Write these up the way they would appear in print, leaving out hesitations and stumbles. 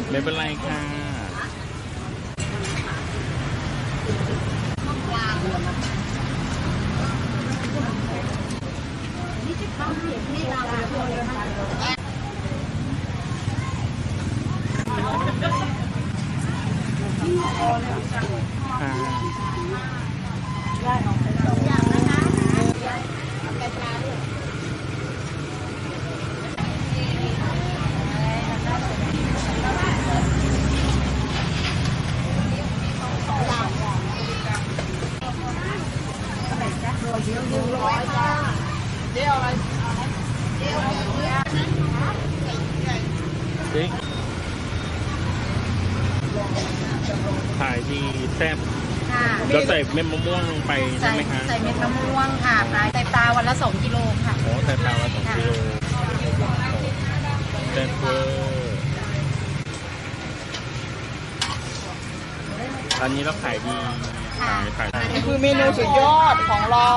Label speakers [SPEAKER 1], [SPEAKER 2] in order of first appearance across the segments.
[SPEAKER 1] ไม่เป็นไรค่ะขายดีแซ่บแล้วใส่เม็ดมะม่วงลงไปใช่ไหมคะ
[SPEAKER 2] ใส่เม็ดมะม่วงค่ะใส่ปลาวันละ2 กิโลค่ะ
[SPEAKER 1] โอ้ใส่ปลาวันละ2 กิโลแซ่บเวอร์อันนี้เราขายดีขาย
[SPEAKER 3] นี่คือเมนูสุดยอดของเรา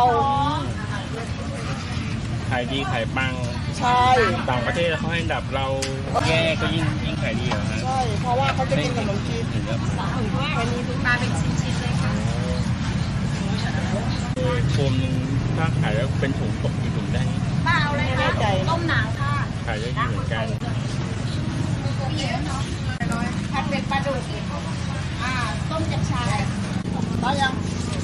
[SPEAKER 1] ขายดีขายปัง
[SPEAKER 3] ใช่
[SPEAKER 1] ต่างประเทศเขาให้ดับเราแย่ก็ยิ่งขายดีเหรอฮะ
[SPEAKER 3] ใช่เพราะว่าเขาจะกินขนมจีน
[SPEAKER 2] วันนี้ปลาเป็นชิ้นๆเลยค่ะ
[SPEAKER 1] โฟมนึงถ้าขายแล้วเป็นถุงตกกี่ถุงได้
[SPEAKER 2] ป้าเอาเลยค่ะต้มหนังค่ะ
[SPEAKER 1] ขายได้ดีเหมือนกัน
[SPEAKER 2] ผัดเป็ดปลาดุกต้มจับชายได้ยัง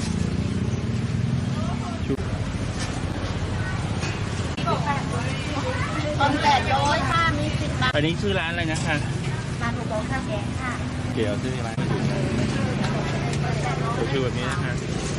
[SPEAKER 2] ตอน800ค่ะมี10 บาท
[SPEAKER 1] อันนี้ชื่อร้านอะไรนะคะ
[SPEAKER 2] ร้านถูกโต๊ะข้าวแกงค่ะ
[SPEAKER 1] เกี่ยวชื่อร้านชื่อแบบนี้นะคะ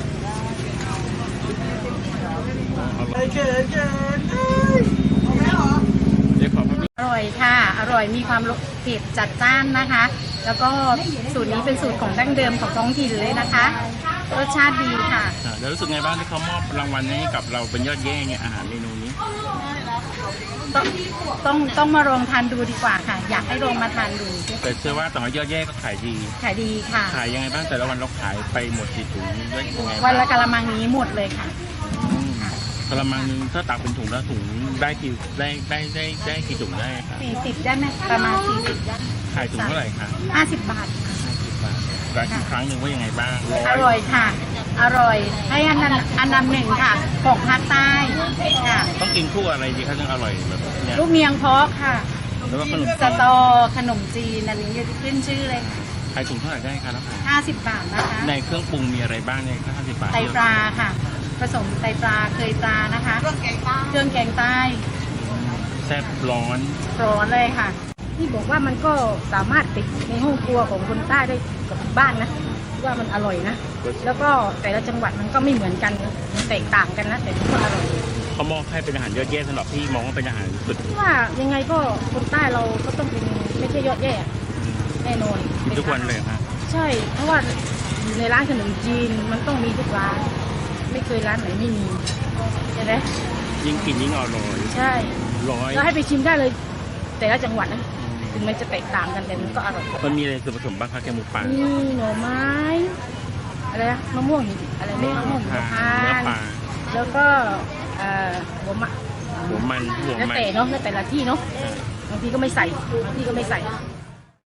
[SPEAKER 2] อร่อยค่ะอร่อยมีความเผ็ดจัดจ้านนะคะ แล้วก็สูตรนี้เป็นสูตรของดั้งเดิมของท้องถิ่นเลยนะคะรสชาติดีค่ะ
[SPEAKER 1] แล้วรู้สึกไงบ้างที่เขามอบรางวัลให้กับเราเป็นยอดเยี่ยมเนี่ยอาหารเมนูนี้
[SPEAKER 2] ต้องมาลองทานดูดีกว่าค่ะอยากให้ลองมาทานดู
[SPEAKER 1] แต่เชื่อว่าต่อยอดเยี่ยมก็ขายดี
[SPEAKER 2] ค่ะ
[SPEAKER 1] ขายยังไงบ้างแต่ละวันเราขายไปหมดกี่ถุง
[SPEAKER 2] วันละกะละมังนี้หมดเลยค่ะ
[SPEAKER 1] กะละมังนึงถ้าตักเป็นถุงแล้วถุงได้กี่ถุงได้ครับ
[SPEAKER 2] 40ได้ไหมประมาณ40ได้
[SPEAKER 1] ขายถุงเท่าไหร่คะ
[SPEAKER 2] 50 บาท
[SPEAKER 1] 50 บาทร้านอีกครั้งหนึ่งว่ายังไงบ้าง
[SPEAKER 2] อร่อยค่ะอร่อยให้อันดับ1ค่ะของภาคใต้ค่ะ
[SPEAKER 1] ต้องกินคู่อะไรดีคะถึงอร่อยแบบนี้
[SPEAKER 2] ลูกเมียงเพาะค่ะ
[SPEAKER 1] แล้วก็ขนม
[SPEAKER 2] สตอขนมจีนอันนี้ขึ้นชื่อเลย
[SPEAKER 1] ขายถุงเท่าไหร่ได้คะแล้ว
[SPEAKER 2] 50 บาทนะคะ
[SPEAKER 1] ในเครื่องปรุงมีอะไรบ้างใน50 บาท
[SPEAKER 2] ไตปลาค่ะผสมไตปลาเคยปลานะคะเครื่องแกงใต้
[SPEAKER 1] แซ่บร้อน
[SPEAKER 2] เลยค่ะที่บอกว่ามันก็สามารถติดในห้องครัวของคนใต้ได้กับบ้านนะว่ามันอร่อยนะแล้วก็แต่ละจังหวัดมันก็ไม่เหมือนกันแตกต่างกันนะแต่ก็อร่อย
[SPEAKER 1] เขามองให้เป็นอาหารยอดเยี่ยมสำหรับพี่มองว่าเป็นอาหารสุด
[SPEAKER 2] ว่ายังไงก็คนใต้เราก็ต้องเป็นไม่ใช่ยอดเยี่ยมแน่นอน
[SPEAKER 1] ทุกวันเลยครับ
[SPEAKER 2] ใช่เพราะว่าอยู่ในร้านขนมจีนมันต้องมีทุกร้านไม่เคยร้านไหนไม่มีใช่ไหม
[SPEAKER 1] ยิ่งกินยิ่งอร่อย
[SPEAKER 2] ใช่แล้วให้ไปชิมได้เลยแต่ละจังหวัดนะถึงมันจะแตกต่างกันแต่มันก็อร่อย
[SPEAKER 1] มันมีอะไรส่วนผสมบ้างคะแกงหมูป่า
[SPEAKER 2] มีหน่อไม้อะไรนะมะม่วงอะไรไม่มะม่วง
[SPEAKER 1] มะพร้าว
[SPEAKER 2] แล้วก็หัวมัน
[SPEAKER 1] แล้ว
[SPEAKER 2] แต่เนาะแล้วแต่ละที่เนาะบางทีก็ไม่ใส่บางที่ก็ไม่ใส่